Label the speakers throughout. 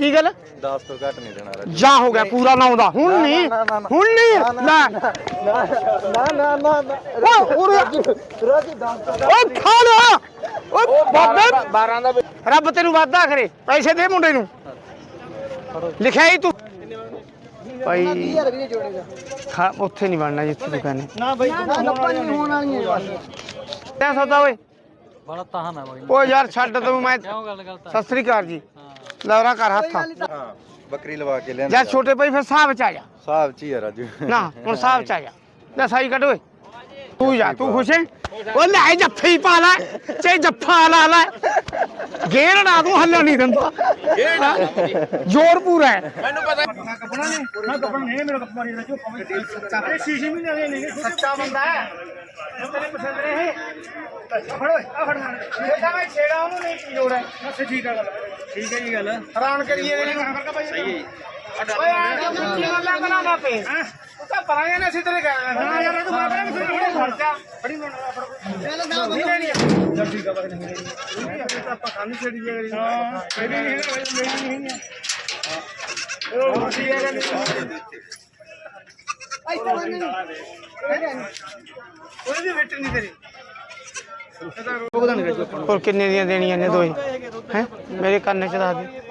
Speaker 1: ਕੀ ਗੱਲ
Speaker 2: 10 ਤੋਂ ਘੱਟ ਨਹੀਂ ਦੇਣਾ ਰਾਜੂ।
Speaker 1: ਜਾ ਹੋ ਗਿਆ ਪੂਰਾ 9 ਦਾ ਹੁਣ ਨਹੀਂ
Speaker 2: ਨਾ
Speaker 1: ਲੈ
Speaker 2: ਨਾ
Speaker 1: ਓਏ
Speaker 2: ਰਾਜੂ 10 ਤੋਂ
Speaker 1: ਓ ਖਾ ਲਿਆ ਓ ਬਾਬੇ
Speaker 2: 12 ਦਾ
Speaker 1: ਰੱਬ ਤੈਨੂੰ ਵਾਦਾ ਕਰੇ ਪੈਸੇ ਦੇ ਮੁੰਡੇ ਨੂੰ ਲਿਖਿਆ ਹੀ ਤੂੰ ਭਾਈ ਖਾ ਉੱਥੇ ਨਹੀਂ ਬਣਨਾ ਜਿੱਥੇ ਤੂੰ ਕਹਿੰਦੇ
Speaker 2: ਨਾ ਬਈ
Speaker 3: ਹੋਣ ਵਾਲੀਆਂ
Speaker 1: ਤੈਂ ਸੌਦਾ ਓਏ
Speaker 4: ਬੜਾ ਤਾਹਨ ਹੈ ਬਾਈ
Speaker 1: ਓ ਯਾਰ ਛੱਡ ਤੂੰ ਮੈਂ
Speaker 4: ਕਿਉਂ ਗੱਲ ਕਰਤਾ
Speaker 1: ਸਤਿ ਸ੍ਰੀ ਅਕਾਲ ਜੀ ਲੌਰਾ ਕਰ ਹੱਥ
Speaker 2: ਹਾਂ ਬੱਕਰੀ ਲਵਾ ਕੇ ਲਿਆਂਦਾ
Speaker 1: ਜਾਂ ਛੋਟੇ ਭਾਈ ਫਿਰ ਹਿਸਾਬ ਚ ਆ ਜਾ
Speaker 2: ਸਾਹਿਬ ਚ ਹੀ ਆ ਰਾਜੂ
Speaker 1: ਨਾ ਹੁਣ ਹਿਸਾਬ ਚ ਆ ਜਾ ਲੈ ਸਾਈ ਕੱਢ ਓਏ ਤੂੰ ਜਾ ਤੂੰ ਖੁਸ਼ ਹੈ ਉਹ ਲੈ ਜੱਫੇ ਹੀ ਪਾ ਲੈ ਚੇ ਜੱਫਾ ਲਾ ਲੈ ਗੇਰ ਨਾ ਤੂੰ ਹੱਲਣ ਨਹੀਂ ਦਿੰਦਾ ਜ਼ੋਰ ਪੂਰਾ ਹੈ
Speaker 3: ਮੈਨੂੰ ਪਤਾ ਕੱਪੜਾ ਨਹੀਂ ਨਾ ਕੱਪੜਾ ਨਹੀਂ ਮੇਰਾ ਕੱਪੜਾ ਨਹੀਂ ਰਜੋ ਸੱਚਾ ਇਹ ਸ਼ੀਸ਼ੇ ਵੀ ਨਹੀਂ ਸੱਚਾ ਬੰਦਾ ਹੈ ਤੇਰੇ ਪਸੰਦ ਰਹੇ ਫੜੋ ਆ ਫੜ ਇਹ ਮੈਂ ਛੇੜਾ ਉਹਨੂੰ ਨਹੀਂ ਕੀ ਲੋੜ ਹੈ ਬਸ ਠੀਕ ਹੈ ਗੱਲ ਠੀਕ ਹੈ ਜੀ ਗੱਲ ਹੈਰਾਨ ਕਰੀਏ ਇਹਨੂੰ ਸਹੀ ਹੈ ਓਏ ਆ ਕੀ ਗੱਲਾਂ ਕਰਾਂ ਬਾਪੇ ਤੂੰ ਤਾਂ ਪਰਾਂਗੇ ਨਾ ਅਸੀਂ ਤੇਰੇ ਗਏ ਹਾਂ ਯਾਰ ਤੂੰ ਮਾਪੇ ਨੂੰ ਥੋੜੀ ਖਰਚਾ ਬੜੀ ਚੱਲ ਨਾ ਨਹੀਂ ਲੈਣੀ ਚੱਲ ਠੀਕ ਆ ਬਸ ਨਹੀਂ ਆਪਾਂ ਖਾਣੀ ਛੇੜੀ ਜੇ ਕਰੀ ਹਾਂ ਮੇਰੀ ਨਹੀਂ ਹੈ ਮੇਰੀ ਨਹੀਂ ਹੈ ਉਹ ਮਸੀ ਆ ਗੱਲ ਐਸਾ ਨਹੀਂ ਕੋਈ ਵੀ ਵੇਟ ਨਹੀਂ ਤੇਰੀ
Speaker 1: ਹੋਰ ਕਿੰਨੇ ਦੀਆਂ ਦੇਣੀਆਂ ਨੇ ਦੋਏ ਹੈ ਮੇਰੇ ਕੰਨ ਚ ਦੱਸ ਦੇ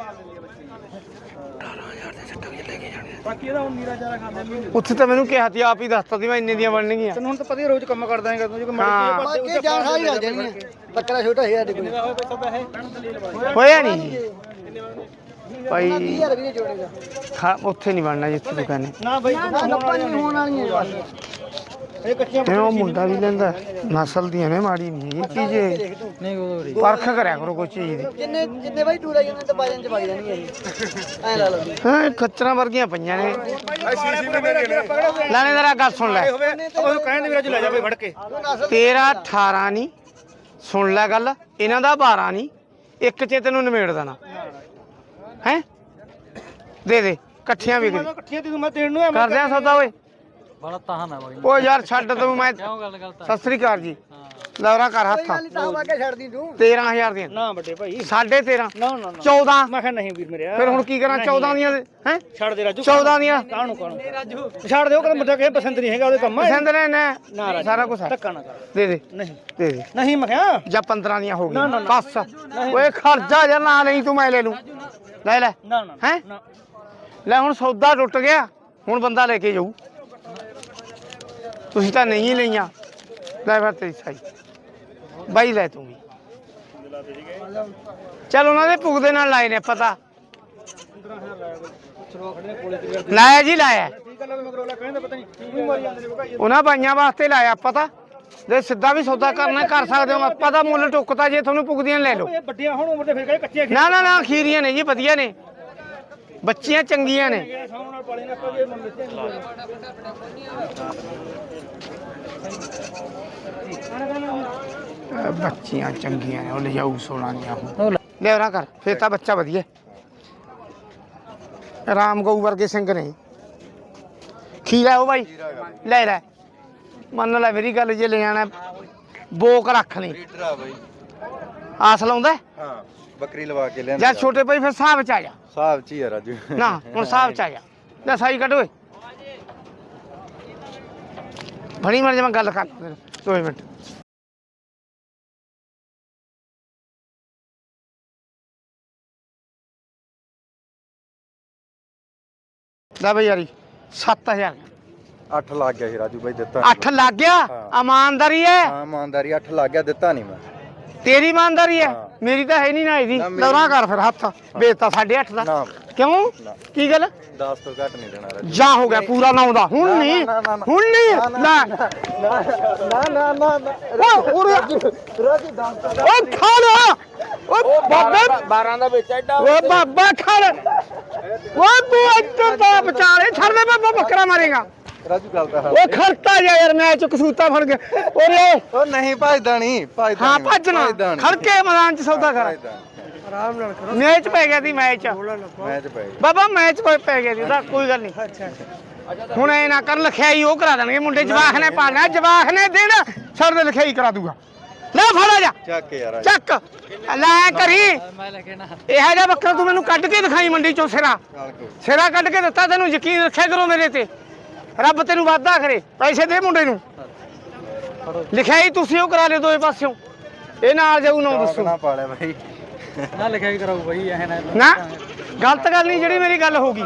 Speaker 3: ਬਾਕੀ ਇਹਦਾ ਹੁਣ ਨੀਰਾ ਚਾਰਾ ਖਾਂਦੇ ਮਹੀਨੇ
Speaker 1: ਉੱਥੇ ਤਾਂ ਮੈਨੂੰ ਕਿਹਾ ਸੀ ਆਪ ਹੀ ਦੱਸਤਾ ਸੀ ਮੈਂ ਇੰਨੇ ਦੀਆਂ ਬਣਨਗੀਆਂ
Speaker 3: ਤੈਨੂੰ ਹੁਣ ਤਾਂ ਪਤਾ ਹੀ ਰੋਜ਼ ਕੰਮ ਕਰਦਾ ਹੈਗਾ ਤੂੰ ਜੇ
Speaker 1: ਹਾਂ।
Speaker 3: ਬਾਕੀ ਜਾਨ ਖਾਈ ਲੱਗ ਜਾਣੀ ਹੈ ਬੱਕਰਾ ਛੋਟਾ ਹੈ ਸਾਡੇ ਕੋਲ
Speaker 1: ਹੋਇਆ ਨਹੀਂ ਭਾਈ
Speaker 3: 20000 ਵੀ ਜੋੜੇਗਾ
Speaker 1: ਖਾ ਉੱਥੇ ਨਹੀਂ ਬਣਨਾ ਜਿੱਥੇ ਤੂੰ ਕਹਿੰਦੇ
Speaker 3: ਨਾ ਬਈ ਹੋਣ ਵਾਲੀਆਂ ਇਹ ਕੱਚੀਆਂ
Speaker 1: ਜਿਵੇਂ ਉਹ ਮੁੰਡਾ ਵੀ ਲੈਂਦਾ ਨਸਲ ਦੀਆਂ ਨੇ ਮਾੜੀ ਨਹੀਂ ਇਹ ਚੀਜ਼
Speaker 4: ਨਹੀਂ ਉਹ
Speaker 1: ਪਰਖ ਕਰਿਆ ਕਰੋ ਕੋਈ ਚੀਜ਼ ਦੀ
Speaker 3: ਜਿੰਨੇ ਬਾਈ ਟੂਰਾ ਜਾਂਦੇ ਤਾਂ ਬਾਜਨ ਚ ਵਗ ਜਾਣਗੇ ਇਹ ਐ ਲਾ ਲਓ
Speaker 1: ਹਾਂ ਖੱਚਰਾਂ ਵਰਗੀਆਂ ਪਈਆਂ ਨੇ ਲਾਣੇਦਾਰਾ ਗੱਲ ਸੁਣ ਲੈ
Speaker 3: ਉਹਨੂੰ ਕਹਿਣ ਦੇ ਵੀਰਾ ਚ ਲੈ ਜਾ ਬਈ ਫੜ ਕੇ
Speaker 1: ਤੇਰਾ 18 ਨਹੀਂ ਸੁਣ ਲੈ ਗੱਲ ਇਹਨਾਂ ਦਾ 12 ਨਹੀਂ ਇੱਕ ਚ ਤੈਨੂੰ ਨਿਮੇੜ ਦੇਣਾ ਹੈ ਦੇ ਦੇ ਇਕੱਠੀਆਂ ਵੀ
Speaker 3: ਇਕੱਠੀਆਂ ਤੈਨੂੰ ਮੈਂ ਦੇਣ ਨੂੰ
Speaker 1: ਕਰਦੇ ਆ ਸੌਦਾ ਓਏ
Speaker 4: ਬੜਾ ਤਾਹਨ ਹੈ ਬਾਈ
Speaker 1: ਓ ਯਾਰ ਛੱਡ ਤੂੰ ਮੈਂ
Speaker 4: ਕਿਉਂ ਗੱਲ ਕਰਤਾ
Speaker 1: ਸਤਿ ਸ੍ਰੀ ਅਕਾਲ ਜੀ ਲੌਰਾ ਕਰ ਹੱਥ
Speaker 3: ਤਾਂ ਵਾਕੇ ਛੱਡਦੀ ਤੂੰ
Speaker 1: 13000 ਦੀਆਂ
Speaker 3: ਨਾ ਵੱਡੇ ਭਾਈ
Speaker 1: 13.5
Speaker 3: ਨਾ ਨਾ
Speaker 1: 14
Speaker 3: ਮੈਂ ਕਿਹਾ ਨਹੀਂ ਵੀਰ ਮੇਰੇ
Speaker 1: ਫਿਰ ਹੁਣ ਕੀ ਕਰਾਂ 14 ਦੀਆਂ ਹੈ
Speaker 3: ਛੱਡ ਦੇ ਰਾਜੂ
Speaker 1: 14 ਦੀਆਂ
Speaker 3: ਕਾਹਨੂੰ ਛੱਡ ਦਿਓ ਕਦੇ ਮੁੰਡਾ ਕਿਸੇ ਪਸੰਦ ਨਹੀਂ ਹੈਗਾ ਉਹਦੇ ਕੰਮ
Speaker 1: ਪਸੰਦ ਨੇ
Speaker 3: ਨਾ
Speaker 1: ਨਾ
Speaker 3: ਰਾਜੂ,
Speaker 1: ਸਾਰਾ ਕੁਝ
Speaker 3: ਧੱਕਾ ਨਾ ਕਰ
Speaker 1: ਦੇ ਦੇ
Speaker 3: ਨਹੀਂ
Speaker 1: ਦੇ ਦੇ
Speaker 3: ਨਹੀਂ ਮੈਂ ਕਿਹਾ
Speaker 1: ਜਾਂ 15 ਦੀਆਂ ਹੋ
Speaker 3: ਨਾ,
Speaker 1: ਗਈਆਂ
Speaker 3: ਨਾ।
Speaker 1: ਬਸ ਓਏ ਖਰਚਾ ਜਾਂ ਨਾ ਨਹੀਂ ਤੂੰ ਮੈਂ ਲੈ ਲੂੰ ਲੈ ਲੈ
Speaker 3: ਨਾ ਨਾ
Speaker 1: ਹੈ
Speaker 3: ਨਾ
Speaker 1: ਲੈ ਹੁਣ ਸੌਦਾ ਟੁੱਟ ਗਿਆ ਹੁਣ ਬੰਦਾ ਲੈ ਕੇ ਜਾਊ ਤੁਸੀਂ ਤਾਂ ਨਹੀਂ ਲਈਆਂ ਲੈ ਫਿਰ ਤੇਰੀ ਸਾਈ ਬਾਈ ਲੈ ਤੂੰ ਵੀ ਚੱਲ ਉਹਨਾਂ ਦੇ ਭੁਗ ਦੇ ਨਾਲ ਲਾਏ ਨੇ ਪਤਾ ਲਾਇਆ ਜੀ ਲਾਇਆ
Speaker 3: ਠੀਕ ਗੱਲ ਮਗਰੋਂ ਲੈ ਕਹਿੰਦੇ ਪਤਾ ਨਹੀਂ ਕੀ ਮਾਰੀ ਜਾਂਦੇ ਨੇ ਭਾਈ
Speaker 1: ਉਹਨਾਂ ਬਾਈਆਂ ਵਾਸਤੇ ਲਾਇਆ ਪਤਾ ਜੇ ਸਿੱਧਾ ਵੀ ਸੌਦਾ ਕਰਨਾ ਕਰ ਸਕਦੇ ਹੋ ਆਪਾਂ ਤਾਂ ਮੁੱਲ ਟੁੱਕਤਾ ਜੇ ਤੁਹਾਨੂੰ ਪੁੱਗਦੀਆਂ ਲੈ ਲਓ
Speaker 3: ਇਹ ਵੱਡੀਆਂ ਹੁਣ ਉਮਰ ਦੇ ਫਿਰ ਕਹਿੰਦੇ ਕੱਚੀਆਂ
Speaker 1: ਨਾ ਨਾ ਨਾ ਖੀਰੀਆਂ ਨੇ ਜੀ ਵਧੀਆ ਨੇ ਬੱਚੀਆਂ ਚੰਗੀਆਂ ਨੇ
Speaker 3: ਸਾਹਮਣੇ ਨਾਲ ਪਾਲੇ ਨਾ ਆਪਾਂ ਇਹ ਮੰਨ ਲਿੱਤੇ
Speaker 1: ਬੱਚੀਆਂ ਚੰਗੀਆਂ ਨੇ ਉਹ ਲਿਜਾਊ ਸੋਨਾ ਦੀਆਂ ਉਹ ਲੈ ਉਹਨਾਂ ਕਰ ਫੇਰ ਤਾਂ ਬੱਚਾ ਵਧੀਆ ਰਾਮ ਗਊ ਵਰਗੇ ਸਿੰਘ ਨੇ ਖੀਰਾ ਉਹ ਬਾਈ ਲੈ ਲੈ ਮੰਨ ਲੈ ਮੇਰੀ ਗੱਲ ਜੇ ਲੈ ਜਾਣਾ ਬੋਕ ਰੱਖ ਲਈ
Speaker 2: ਰੀਡਰ ਆ ਬਾਈ
Speaker 1: ਆਸ ਲਾਉਂਦਾ
Speaker 2: ਹਾਂ ਬੱਕਰੀ ਲਵਾ ਕੇ ਲਿਆਂਦਾ
Speaker 1: ਜਾਂ ਛੋਟੇ ਭਾਈ ਫਿਰ ਹਿਸਾਬ ਚ ਆ ਜਾ
Speaker 2: ਸਾਹਿਬ ਚ ਹੀ ਆ ਰਾਜੂ
Speaker 1: ਨਾ ਹੁਣ ਹਿਸਾਬ ਚ ਆ ਜਾ ਲੈ ਸਾਈ ਕੱਢ ਓਏ ਬਣੀ ਮਰ ਜਾ ਮੈਂ ਗੱਲ ਕਰ 2 ਮਿੰਟ ਲੈ ਬਈ ਯਾਰੀ 7000
Speaker 2: 8 ਲੱਗ ਗਿਆ ਸੀ ਰਾਜੂ ਬਾਈ ਦਿੱਤਾ
Speaker 1: 8 ਲੱਗ ਗਿਆ ਇਮਾਨਦਾਰੀ ਹੈ
Speaker 2: ਹਾਂ ਇਮਾਨਦਾਰੀ 8 ਲੱਗ ਗਿਆ ਦਿੱਤਾ ਨਹੀਂ ਮੈਂ
Speaker 1: ਤੇਰੀ ਇਮਾਨਦਾਰੀ ਹੈ
Speaker 2: ਹਾਂ।
Speaker 1: ਮੇਰੀ ਤਾਂ ਹੈ ਨਹੀਂ ਨਾ ਇਹਦੀ
Speaker 2: ਨਾ ਮੇਰੀ-
Speaker 1: ਲੌਰਾ ਕਰ ਫਿਰ ਹੱਥ ਵੇਚਤਾ 8.5 ਦਾ
Speaker 2: ਨਾ
Speaker 1: ਕਿਉਂ
Speaker 2: ਨਾ।
Speaker 1: ਕੀ ਗੱਲ
Speaker 2: 10 ਤੋਂ ਘੱਟ ਨਹੀਂ ਦੇਣਾ ਰਾਜੂ
Speaker 1: ਜਾ ਹੋ ਗਿਆ ਪੂਰਾ 9 ਦਾ ਹੁਣ ਨਹੀਂ
Speaker 2: ਨਾ, ਨਾ, ਨਾ।
Speaker 1: ਹੁਣ ਨਹੀਂ ਲੈ
Speaker 2: ਨਾ
Speaker 1: ਓ ਉਰੇ
Speaker 2: ਰਾਜੂ 10 ਤੋਂ
Speaker 1: ਓ ਖਾ ਲਿਆ ਓ ਬਾਬੇ
Speaker 2: 12 ਦਾ ਵਿੱਚ ਐਡਾ
Speaker 1: ਓ ਬਾਬਾ ਖਾ ਲੈ ਓ ਤੂੰ ਇੱਧਰ ਦਾ ਵਿਚਾਲੇ ਛੱਡ ਦੇ ਬਾਬਾ ਬੱਕਰਾ ਮਾਰੇਗਾ
Speaker 2: ਰਾਜੂ ਗੱਲ ਤਾਂ
Speaker 1: ਓ ਖੜਤਾ ਜਾ ਯਾਰ ਮੈਂ ਚ ਕਸੂਤਾ ਫੜ ਗਿਆ ਓਰੇ
Speaker 2: ਉਹ ਨਹੀਂ ਭਜਦਾ ਨਹੀਂ ਭਜਦਾ
Speaker 1: ਹਾਂ
Speaker 2: ਨਹੀਂ,
Speaker 1: ਭੱਜਣਾ
Speaker 2: ਭੱਜਦਾ ਨਹੀਂ।
Speaker 1: ਖੜਕੇ ਮੈਦਾਨ ਚ ਸੌਦਾ ਕਰ
Speaker 2: ਭੱਜਦਾ ਨਹੀਂ।
Speaker 3: ਆਰਾਮ ਨਾਲ ਕਰੋ
Speaker 1: ਮੈਚ ਪੈ ਗਿਆ ਸੀ ਮੈਚ
Speaker 2: ਮੈਚ ਪੈ ਗਿਆ
Speaker 1: ਬਾਬਾ ਮੈਚ ਪੈ ਗਿਆ ਸੀ ਉਹਦਾ ਕੋਈ ਗੱਲ ਨਹੀਂ
Speaker 3: ਅੱਛਾ
Speaker 1: ਹੁਣ ਐ ਨਾ ਕਰ ਲਿਖਾਈ ਉਹ ਕਰਾ ਦੇਣਗੇ ਮੁੰਡੇ ਜਵਾਖ ਨੇ ਪਾਣਾ ਜਵਾਖ ਨੇ ਦੇਣਾ ਛੱਡ ਦੇ ਲਿਖਾਈ ਕਰਾ ਦੂਗਾ ਲੈ ਫੜਾ ਜਾ
Speaker 2: ਚੱਕ ਯਾਰ
Speaker 1: ਚੱਕ ਲੈ ਕਰੀ
Speaker 4: ਮੈਂ ਲੈ ਕੇ ਨਾ
Speaker 1: ਇਹ ਜਿਹਾ ਬੱਕਰਾ ਤੂੰ ਮੈਨੂੰ ਕੱਢ ਕੇ ਦਿਖਾਈ ਮੰਡੀ ਚੋਂ ਸਿਰਾ
Speaker 2: ਚੱਲ ਕੋਈ
Speaker 1: ਸਿਰਾ ਕੱਢ ਕੇ ਦਿੱਤਾ ਤੈਨੂੰ ਯਕੀਨ ਰੱਖਿਆ ਕਰੋ ਮੇਰੇ ਤੇ ਰੱਬ ਤੈਨੂੰ ਵਾਅਦਾ ਕਰੇ ਪੈਸੇ ਦੇ ਮੁੰਡੇ ਨੂੰ ਲਿਖਿਆ ਹੀ ਤੁਸੀਂ ਉਹ ਕਰਾ ਲਿਓ ਦੋਏ ਪਾਸਿਓਂ ਇਹ ਨਾਲ ਜਾਊ ਨਾ ਦੱਸੋ
Speaker 2: ਨਾ ਪਾਲਿਆ ਬਾਈ
Speaker 4: ਨਾ ਲਿਖਿਆ ਵੀ ਕਰਾਉ ਬਈ ਇਹ ਨਾ
Speaker 1: ਨਾ ਗਲਤ ਗੱਲ ਨਹੀਂ ਜਿਹੜੀ ਮੇਰੀ ਗੱਲ ਹੋ ਗਈ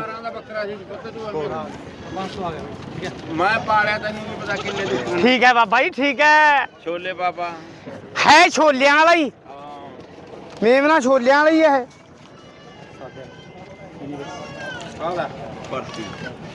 Speaker 4: ਬਸ ਆ ਗਿਆ ਠੀਕ ਹੈ
Speaker 2: ਮੈਂ ਪਾਲਿਆ ਤੈਨੂੰ ਨਹੀਂ ਪਤਾ ਕਿੰਨੇ ਦੀ
Speaker 1: ਠੀਕ ਹੈ ਬਾਬਾ ਜੀ ਠੀਕ ਹੈ
Speaker 2: ਛੋਲੇ ਬਾਬਾ
Speaker 1: ਹੈ ਛੋਲਿਆਂ ਵਾਲਾ ਹੀ ਮੇਮਨਾ ਛੋਲਿਆਂ ਵਾਲਾ ਹੀ ਹੈ
Speaker 2: ਆਲਾ ਪਰਤੀ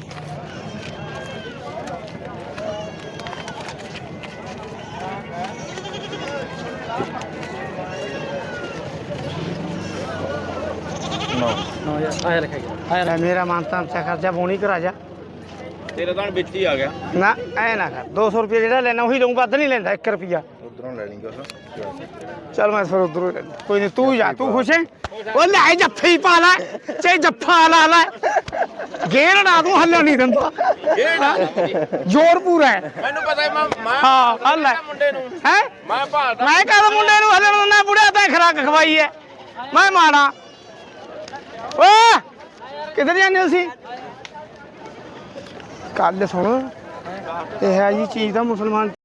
Speaker 4: ਨਾ ਯਾਰ ਆਇਆ ਲਿਖਿਆ ਗਿਆ ਆਇਆ
Speaker 1: ਲੈ ਮੇਰਾ ਮਾਨਤਾ ਅੰਚਾ ਖਰਚਾ ਬੋਣੀ ਕਰਾ ਜਾ
Speaker 2: ਤੇਰਾ ਤਾਂ ਵਿੱਚ ਹੀ ਆ ਗਿਆ
Speaker 1: ਨਾ ਐ ਨਾ ਕਰ 200 ਰੁਪਏ ਜਿਹੜਾ ਲੈਣਾ ਉਹੀ ਲਊਂ ਵੱਧ ਨਹੀਂ ਲੈਂਦਾ 1 ਰੁਪਿਆ
Speaker 2: ਉਧਰੋਂ ਲੈ ਲਈ ਕੁਛ
Speaker 1: ਚੱਲ ਮੈਂ ਫਿਰ ਉਧਰੋਂ ਕੋਈ ਨਹੀਂ ਤੂੰ ਜਾ ਤੂੰ ਖੁਸ਼ ਹੈ ਉਹ ਲੈ ਜੱਫੇ ਹੀ ਪਾ ਲੈ ਚਾਹੇ ਜੱਫਾ ਲਾ ਲੈ ਗੇਰ ਨਾ ਤੂੰ ਹੱਲਣ ਨਹੀਂ ਦਿੰਦਾ ਜ਼ੋਰ ਪੂਰਾ ਹੈ
Speaker 2: ਮੈਨੂੰ ਪਤਾ ਹੈ ਮੈਂ
Speaker 1: ਹਾਂ ਹੱਲ ਹੈ
Speaker 2: ਮੁੰਡੇ ਨੂੰ
Speaker 1: ਹੈ
Speaker 2: ਮੈਂ ਭਾਲਦਾ
Speaker 1: ਮੈਂ ਕਹਦਾ ਮੁੰਡੇ ਨੂੰ ਹੱਲਣ ਦਿੰਦਾ ਬੁੜਿਆ ਤਾਂ ਖਰਾਕ ਖਵਾਈ ਹੈ ਮੈਂ ਮਾੜਾ ਓਏ ਕਿੱਧਰ ਜਾਂਦੇ ਹੋ ਤੁਸੀਂ ਕੱਲ ਸੁਣ ਇਹ ਹੈ ਜੀ ਚੀਜ਼ ਦਾ ਮੁਸਲਮਾਨ